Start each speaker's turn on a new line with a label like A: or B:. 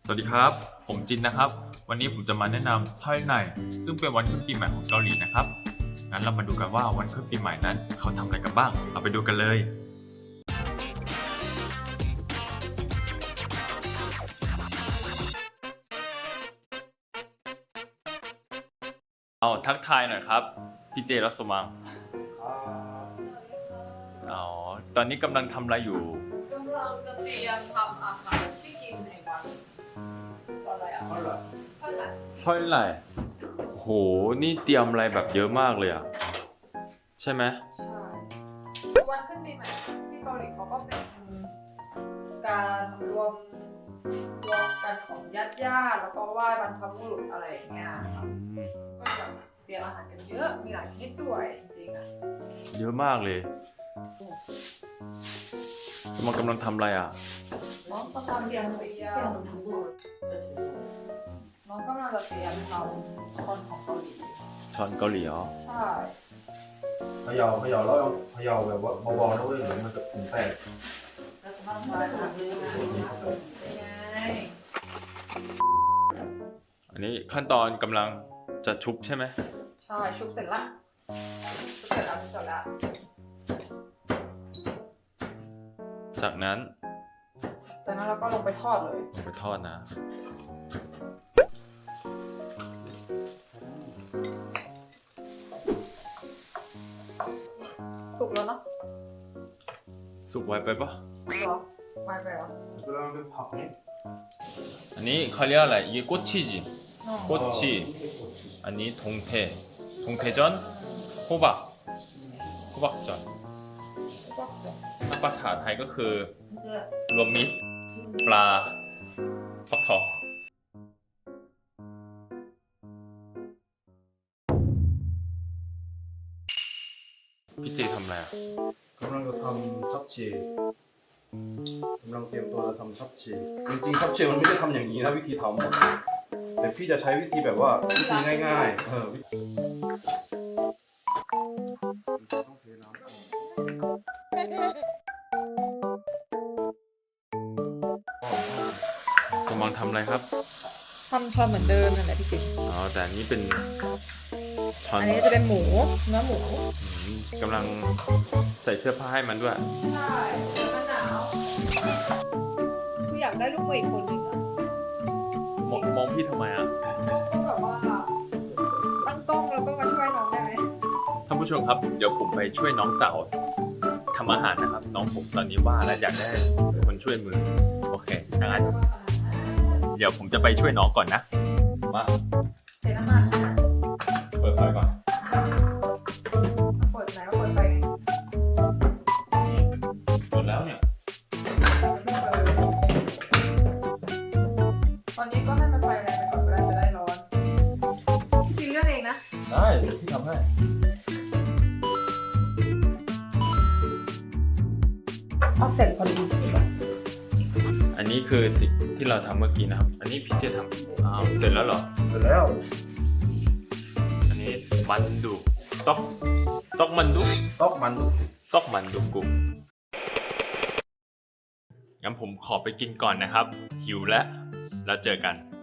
A: สวัสดีครับผมจินนะครับวันนี้ผมจะมาแนะนำซ่อยไหนซึ่งเป็นวันขึ้นปีใหม่ของเกาหลีนะครับงั้นเรามาดูกันว่าวันขึ้นปีใหม่นั้นเขาทำอะไรกันบ้างเอาไปดูกันเลยเอาทักทายหน่อยครับพี่เจรัสมังอ๋อตอนนี้กำลังทำอะไรอยู่
B: กำลังจะเตรียมทำอาหารที่กินในวันอะไรอ่ะเท่าไหร่
A: ซ่อยไหนโหนี่เตรียมอะไรแบบเยอะมากเลยอะใช่ไหม
B: ใช่วันขึ้นปีใหม่ที่เกาหลีเขาก็เป็นการรวมกันของญาติแล้วก็ไหว้บรรพบุรุษอะไรอย่างเงี้ยครับก็จะเตรียมอาหารกันเยอะมีหลายชนิดด้วยจริงๆอ่ะ
A: เยอะมากเลยมันกำลังทำอะไรอ่ะ
B: น้องกำลังเตรียมน้องกำลังจะเตรียมทำช้อนของเกาหลี
A: ช้อนเกาหลีเหรอ
B: ใช่
C: เขย่าแล้วเขย่าแบบว่าเบาๆนะเว้ยเดี๋ยวมันจะถึงแตก
A: อันนี้ขั้นตอนกำลังจะชุบใช่ไหม
B: ใช่ชุบเสร็จละ
A: จากนั้น
B: เราก็ลงไปทอดเลย
A: ไปทอดนะ
B: สุกแล้วเนาะ
A: สุกไวไปปะ
B: หรอไวไปเหรอ
A: อันนี้เขาเรียกอะไร이게꼬치지꼬치อันนี้동태전 호박전ภาษาไทยก็คือรวมมิตรปลาฟักทองพี่เจทำอะไรอ่ะ
C: กำลังจะทำชับชีกำลังเตรียมตัวจะทำชับชีจริงๆชับชีมันไม่ได้ทำอย่างนี้นะวิธีทำแต่พี่จะใช้วิธีแบบว่าวิธีง่ายๆต้องเทน้ำ
A: สมองทำอะไรครับ
B: ทำช้อนเหมือนเดิมนั่นแหละพี่จิ๊ก
A: อ๋อแต่อันนี้เป็นช้อน
B: อันนี้จะเป็นเนื้อหมู
A: กำลังใส่เสื้อผ้าให้มันด้วย
B: ใช่มันหนาวคืออยากได้ลูกมืออีกคนหนึ่งอะ
A: มองพี่ทำไมอ่ะ
B: ก็แบบว่าตั้งกล้องแล้วก็มาช่วยน้องได้ไหม
A: ท่านผู้ชมครับเดี๋ยวผมไปช่วยน้องสาวทำอาหารนะครับน้องผมตอนนี้ว่าแล้วอยากได้คนช่วยมือโอเคงั้นเดี๋ยวผมจะไปช่วยน้องก่อนนะมา
B: เสร็จแล้วมา
A: เปิดไฟก่อน
B: เปิดไหนก็เปิดไปไง
A: เปิดแล้วเนี่ย
B: ตอนนี้ก็ให้มันไฟแรงไปก่อนก็ได้จะได้ร้อนพี่จินเลือกเองนะ
A: ได้เดี๋ยวพี่ทำให้
B: เอาเสร็จพอดี
A: อันนี้คือสิ่งที่เราทำเมื่อกี้นะครับอันนี้พี่เจทำเสร็จแล้วเหรอ
C: เสร็จแล้ว
A: อันนี้มันดูต๊อกมันดูกุงั้นผมขอไปกินก่อนนะครับหิวแล้วเจอกัน